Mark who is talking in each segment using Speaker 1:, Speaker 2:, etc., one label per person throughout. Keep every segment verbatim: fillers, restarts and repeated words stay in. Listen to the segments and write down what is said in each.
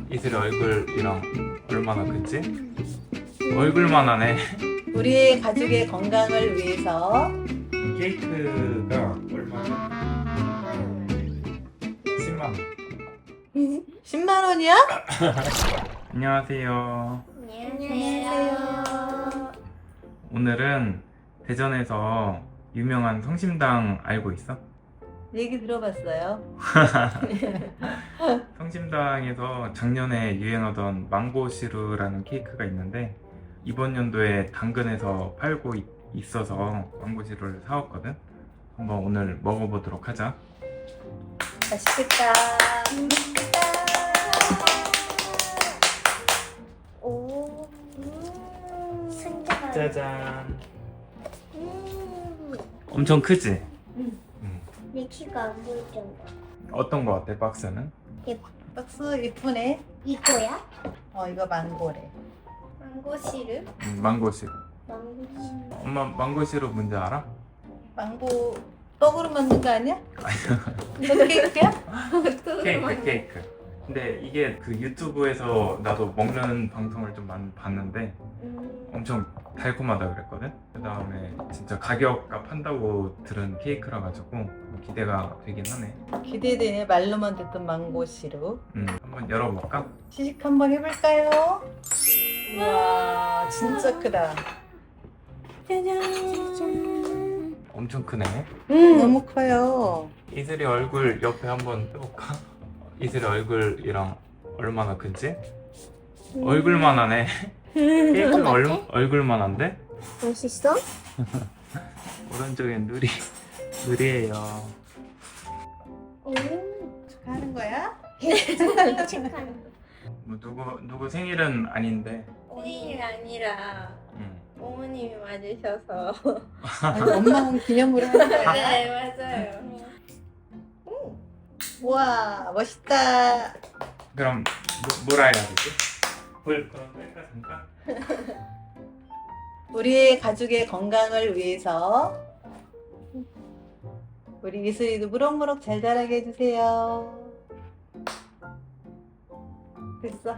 Speaker 1: 이슬이 얼굴이랑 얼마나 큰지? 얼굴만 하네.
Speaker 2: 우리 가족의 건강을 위해서
Speaker 1: 케이크가 얼마나? 십만 원.
Speaker 2: 십만 원이야?
Speaker 1: 안녕하세요.
Speaker 2: 안녕하세요.
Speaker 1: 오늘은 대전에서 유명한 성심당 알고 있어?
Speaker 2: 얘기 들어봤어요.
Speaker 1: 성심당에서 작년에 유행하던 망고시루라는 케이크가 있는데 이번 연도에 당근에서 팔고 있, 있어서 망고시루를 사왔거든. 한번 오늘 먹어보도록 하자.
Speaker 2: 맛있겠다.
Speaker 3: 오, 음, 신기하다.
Speaker 1: 짜잔.
Speaker 3: 음,
Speaker 1: 엄청 크지?
Speaker 2: 응.
Speaker 1: 음.
Speaker 3: 내 키가 안 보일 정도.
Speaker 1: 어떤 거 같아, 박스는?
Speaker 2: 박스 예쁘네.
Speaker 3: 이거야?
Speaker 2: 어, 이거 망고래.
Speaker 3: 망고 시럽?
Speaker 1: 음, 망고시루.
Speaker 3: 망고 시럽.
Speaker 1: 엄마 망고시루 뭔지 알아?
Speaker 2: 망고 떡으로 만든 거 아니야? 이거 케이크야?
Speaker 1: 케이크, 케이크. 근데 이게 그 유튜브에서 나도 먹는 방송을 좀 많이 봤는데
Speaker 3: 음,
Speaker 1: 엄청 달콤하다 그랬거든? 그 다음에 진짜 가격값 한다고 들은 케이크라 가지고 기대가 되긴 하네.
Speaker 2: 기대되네. 말로만 듣던 망고 시루.
Speaker 1: 음, 한번 열어볼까?
Speaker 2: 시식 한번 해볼까요? 와, 진짜 크다.
Speaker 3: 짜잔.
Speaker 1: 엄청 크네.
Speaker 2: 너무 커요.
Speaker 1: 이슬이 얼굴 옆에 한번 떼볼까? 이슬이 얼굴이랑 얼마나 큰지? 얼굴만 하네. 케이크가 얼, 얼굴만 한데?
Speaker 3: 맛있어?
Speaker 1: 오른쪽엔 누리, 누리예요.
Speaker 3: 오,
Speaker 2: 축하하는 거야?
Speaker 3: 축하해.
Speaker 1: 뭐 누구 누구 생일은 아닌데.
Speaker 4: 생일이 아니라
Speaker 1: 음.
Speaker 4: 어머님이 맞으셔서
Speaker 2: 아니, 엄마 기념으로 하는 거야?
Speaker 4: 네 맞아요.
Speaker 2: 우와, 멋있다.
Speaker 1: 그럼 뭐, 뭐라 해야 되지? 불 그럼 끌까 잠깐?
Speaker 2: 우리 가족의 건강을 위해서 우리 이슬이도 무럭무럭 잘 자라게 해주세요. 됐어.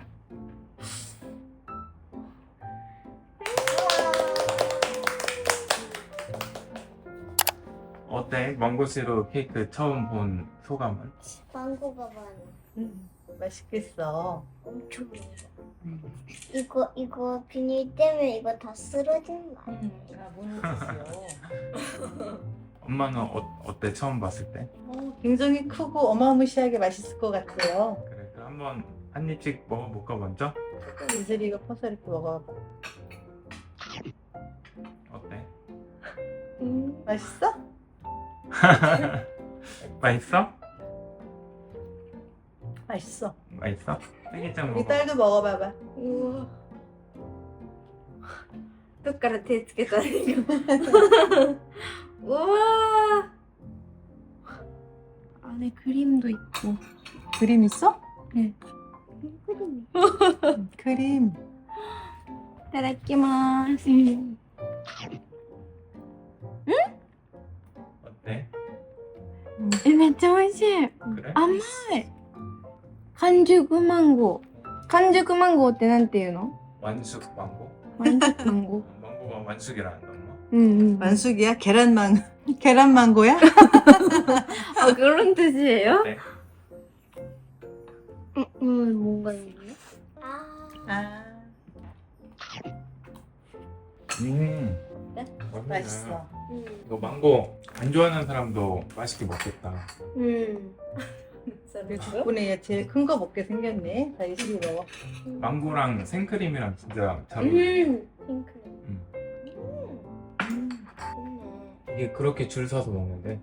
Speaker 1: 어때? 망고시루 케이크 처음 본 소감은?
Speaker 3: 망고가 많아.
Speaker 2: 음, 맛있겠어.
Speaker 3: 엄청 많아. 이거 이거 비닐 때문에 이거 다 쓰러지는 거 아니야?
Speaker 2: 음, 아, 모르겠어.
Speaker 1: 엄마는 어, 어때? 처음 봤을 때?
Speaker 2: 어, 굉장히 크고 어마무시하게 맛있을 것 같아요.
Speaker 1: 그래 그럼 한번 한 입씩 먹어볼까 먼저?
Speaker 2: 이슬이 이거 퍼서 이렇게 먹어봐.
Speaker 1: 어때?
Speaker 3: 음,
Speaker 2: 맛있어?
Speaker 1: 맛있어?
Speaker 2: 맛있어.
Speaker 1: 맛있어? 딸기짱
Speaker 2: 우리
Speaker 1: 먹어.
Speaker 2: 딸도 먹어봐봐.
Speaker 4: 우와. どっから手つけたらいいか。うわ 안에 그림도 있고.
Speaker 2: 그림 있어?
Speaker 4: 네.
Speaker 3: 크림.
Speaker 2: 음, 그림.
Speaker 4: いただきます。
Speaker 1: 어때?
Speaker 4: え、めっちゃ美味しい。
Speaker 1: 그래?
Speaker 4: 甘い。完熟マンゴー。完熟マンゴーってなんていうの？
Speaker 1: 완숙 망고?
Speaker 4: 完熟マンゴー。
Speaker 1: 망고가 완숙이라는 엄마?
Speaker 4: うんうん。
Speaker 2: 만숙이야? 계란망 계란망고야?
Speaker 4: 아 그런 뜻이에요?
Speaker 1: 네.
Speaker 3: 음, 음, 뭔가 있네. 아,
Speaker 2: 아,
Speaker 1: 음.
Speaker 2: 네?
Speaker 1: 맛있네.
Speaker 2: 맛있어.
Speaker 3: 음,
Speaker 1: 이거 망고 안 좋아하는 사람도 맛있게 먹겠다.
Speaker 3: 음.
Speaker 2: 우리 덕분에 얘 제일 큰 거 먹게 생겼네. 자, 이슬이 먹어.
Speaker 1: 망고랑 생크림이랑 진짜 잘 어울려.
Speaker 3: 음, 핑크림.
Speaker 1: 음.
Speaker 3: 음, 좋네.
Speaker 1: 이게 그렇게 줄 서서 먹는데.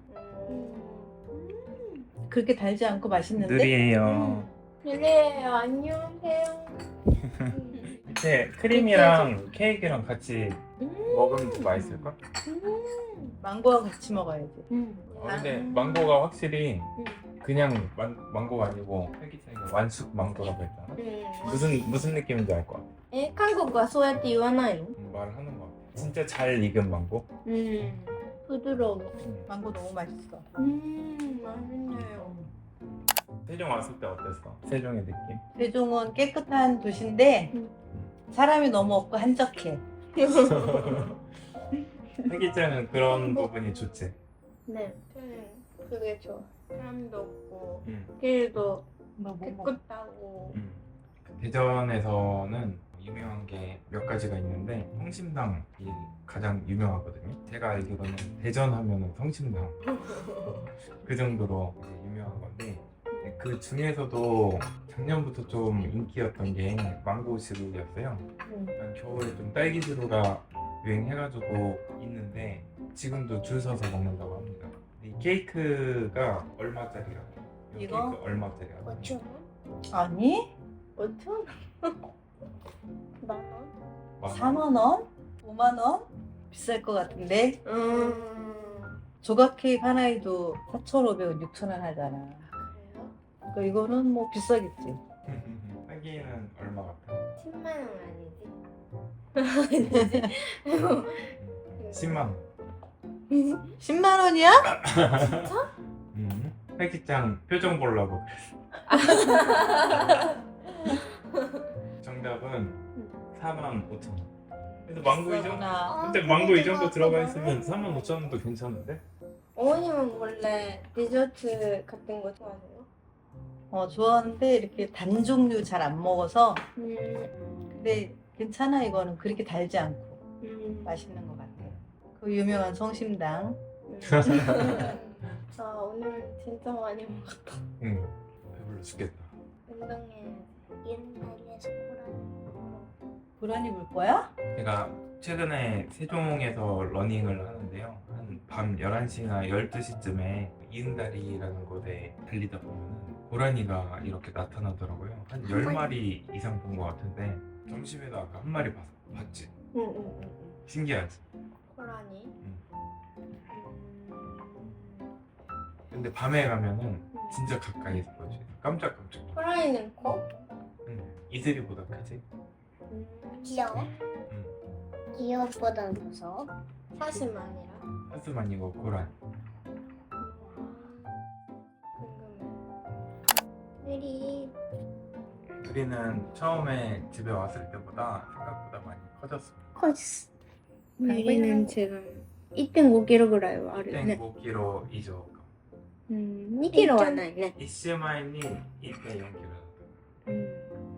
Speaker 3: 음.
Speaker 2: 그렇게 달지 않고 맛있는데?
Speaker 1: 느리예요.
Speaker 4: 네 안녕하세요.
Speaker 1: 밑에 크림이랑 케이크랑 같이 먹으면 더 맛있을까?
Speaker 3: 음.
Speaker 2: 망고와 같이 먹어야지.
Speaker 3: 음.
Speaker 1: 어, 근데 망고가 확실히
Speaker 3: 음.
Speaker 1: 그냥 망, 망고가 아니고 딸기짱이 완숙 망고라고 했잖아.
Speaker 3: 음.
Speaker 1: 무슨 무슨 느낌인지 알 것 같아.
Speaker 4: え韓国はそうやって言わないの？
Speaker 1: 음, 말을 하는 것 같아. 진짜 잘 익은 망고.
Speaker 3: 음.
Speaker 4: 부드러워.
Speaker 1: 음.
Speaker 2: 망고 너무 맛있어.
Speaker 4: 음 맛있네요.
Speaker 1: 세종 왔을 때 어땠어? 세종의 느낌?
Speaker 2: 세종은 깨끗한 도시인데 사람이 너무 없고 한적해.
Speaker 1: 혜기짱은 그런 부분이 좋지?
Speaker 3: 네, 저는 그게 좋아. 사람도 없고
Speaker 1: 응.
Speaker 3: 길도
Speaker 2: 뭐, 뭐, 뭐.
Speaker 3: 깨끗하고.
Speaker 1: 응. 대전에서는 유명한 게 몇 가지가 있는데 성심당이 가장 유명하거든요. 제가 알기로는 대전 하면은 성심당 그 정도로 이제 유명한 건데 그 중에서도 작년부터 좀 인기였던 게 망고시루였어요. 한 겨울에 좀 딸기시루가 유행해가지고 있는데 지금도 줄 서서 먹는다고 합니다. 이 케이크가 얼마짜리라고? 이
Speaker 2: 이거?
Speaker 1: 케이크 얼마짜리라고?
Speaker 3: 오천 원?
Speaker 2: 아니?
Speaker 3: 오천? 만 원?
Speaker 2: 사만 원? 오만 원? 비쌀 것 같은데?
Speaker 3: 음.
Speaker 2: 조각 케이크 하나에도 사천오백 원, 육천 원 하잖아.
Speaker 3: 그래요?
Speaker 2: 그러니까 이거는 뭐 비싸겠지.
Speaker 1: 딸기는 얼마 같아?
Speaker 3: 십만 원 아니지?
Speaker 1: 십만 원.
Speaker 2: 십만 원이야?
Speaker 1: 음. 혜기짱 표정 보려고 정답은 사만 오천 원. 그래서 망고 이 정도.
Speaker 2: 비싸구나.
Speaker 1: 근데 망고 이 정도 들어가 있으면 사만 오천 원도 괜찮은데?
Speaker 3: 어머님은 원래 디저트 같은 거 좋아하세요?
Speaker 2: 어, 좋아하는데 이렇게 단 종류 잘 안 먹어서
Speaker 3: 음,
Speaker 2: 근데 괜찮아 이거는 그렇게 달지 않고
Speaker 3: 음.
Speaker 2: 맛있는 것 같아. 그 유명한 성심당.
Speaker 3: 아, 오늘 진짜 많이 먹었다.
Speaker 1: 응. 배불러 죽겠다.
Speaker 3: 운동해. 옛날에 스코라는
Speaker 2: 고라니 물 거야?
Speaker 1: 제가 최근에 세종에서 러닝을 하는데요. 한 밤 열한 시나 열두 시쯤에 이응다리라는 곳에 달리다 보면 고라니가 이렇게 나타나더라고요. 한 열 마리 이상 본 것 같은데 점심에도 아까 한 마리 봤, 봤지?
Speaker 3: 응, 응, 응.
Speaker 1: 신기하지?
Speaker 3: 코라니.
Speaker 1: 응.
Speaker 3: 음.
Speaker 1: 근데 밤에 가면은 진짜 가까이서 보여줘요. 깜짝깜짝.
Speaker 3: 코라니는 커?
Speaker 1: 응. 이슬이보다 크지?
Speaker 3: 음. 귀여워?
Speaker 1: 응.
Speaker 3: 귀여워보다 무서워? 사심 아니라?
Speaker 1: 하스만이고 고라니.
Speaker 3: 궁금해. 우리
Speaker 1: 우리는 처음에 집에 왔을 때보다 생각보다 많이 커졌습니다.
Speaker 3: 커졌어. 우리는 지금 이てんごキロぐらいはあるよね。
Speaker 1: 일点五キロ以上か。
Speaker 3: うん、にキロはないね。
Speaker 1: 一週前にいってんよんキロだっ
Speaker 3: うん。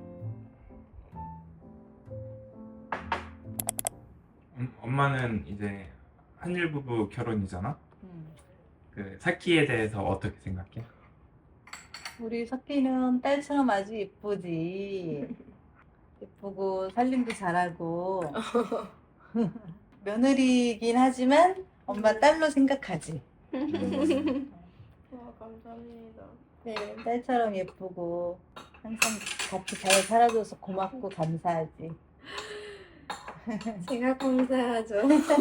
Speaker 1: た。음, 엄마는 이제 한일 부부 결혼이잖아.
Speaker 2: 응.
Speaker 1: 그 사키에 대해서 어떻게 생각해?
Speaker 2: 우리 석기는 딸처럼 아주 예쁘지. 예쁘고 살림도 잘하고 며느리긴 하지만 엄마 딸로 생각하지.
Speaker 3: 와, 감사합니다.
Speaker 2: 네, 딸처럼 예쁘고 항상 같이 잘 살아줘서 고맙고 감사하지.
Speaker 3: 제가 감사하죠.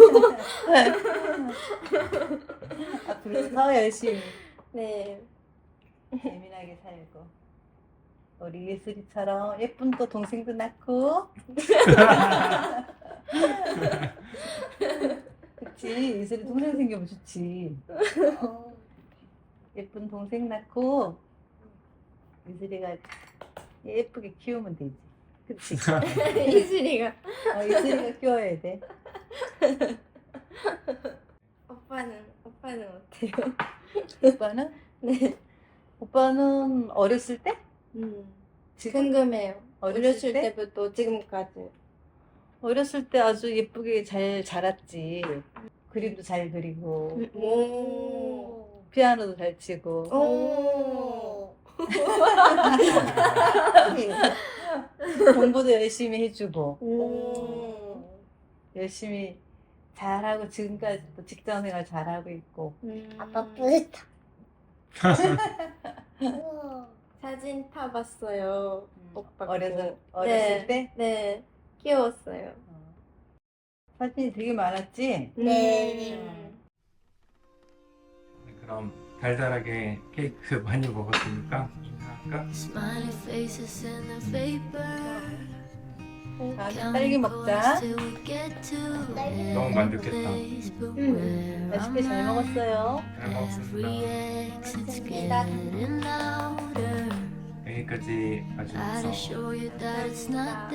Speaker 2: 앞으로 더 열심히
Speaker 3: 네.
Speaker 2: 예민하게 살고 우리 예슬이처럼 예쁜 또 동생도 낳고 그치 예슬이 동생 생기면 좋지. 예쁜 동생 낳고 예슬이가 예쁘게 키우면 되지. 그치?
Speaker 3: 이슬이가.
Speaker 2: 어, 예슬이가 키워야 돼.
Speaker 3: 오빠는 오빠는 어때요?
Speaker 2: 오빠는?
Speaker 3: 네.
Speaker 2: 오빠는 어렸을 때?
Speaker 3: 음.
Speaker 2: 지금?
Speaker 3: 궁금해요.
Speaker 2: 어렸을
Speaker 3: 어렸을
Speaker 2: 때?
Speaker 3: 때부터 지금까지.
Speaker 2: 어렸을 때 아주 예쁘게 잘 자랐지. 그림도 잘 그리고
Speaker 3: 음. 오.
Speaker 2: 피아노도 잘 치고
Speaker 3: 오.
Speaker 2: 공부도 열심히 해주고
Speaker 3: 오.
Speaker 2: 열심히 잘하고 지금까지 또 직장생활 잘하고 있고
Speaker 3: 음.
Speaker 5: 아빠 뿌듯하.
Speaker 3: 사진 타봤어요. 오빠 거.
Speaker 2: 어렸을, 어렸을
Speaker 3: 네.
Speaker 2: 때
Speaker 3: 네. 귀여웠어요.
Speaker 2: 어. 사진이 되게 많았지?
Speaker 5: 네.
Speaker 3: 음.
Speaker 1: 네, 그럼 달달하게 케이크 많이 먹었으니까 인사할까?
Speaker 6: Smiley faces in the vapor.
Speaker 2: 자, 딸기 먹자.
Speaker 1: 너무 만족했다.
Speaker 2: 음, 맛있게 잘 먹었어요.
Speaker 1: 잘 먹었습니다.
Speaker 3: 감사합니다.
Speaker 1: 여기까지 봐주셔서
Speaker 3: 감사합니다.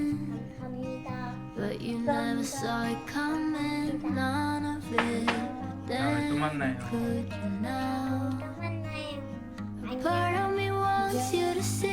Speaker 5: But you never saw it coming, none of it.
Speaker 1: 다음에 또 만나요.
Speaker 5: Could you now?
Speaker 3: 또 만나요.
Speaker 5: Part of me wants you to see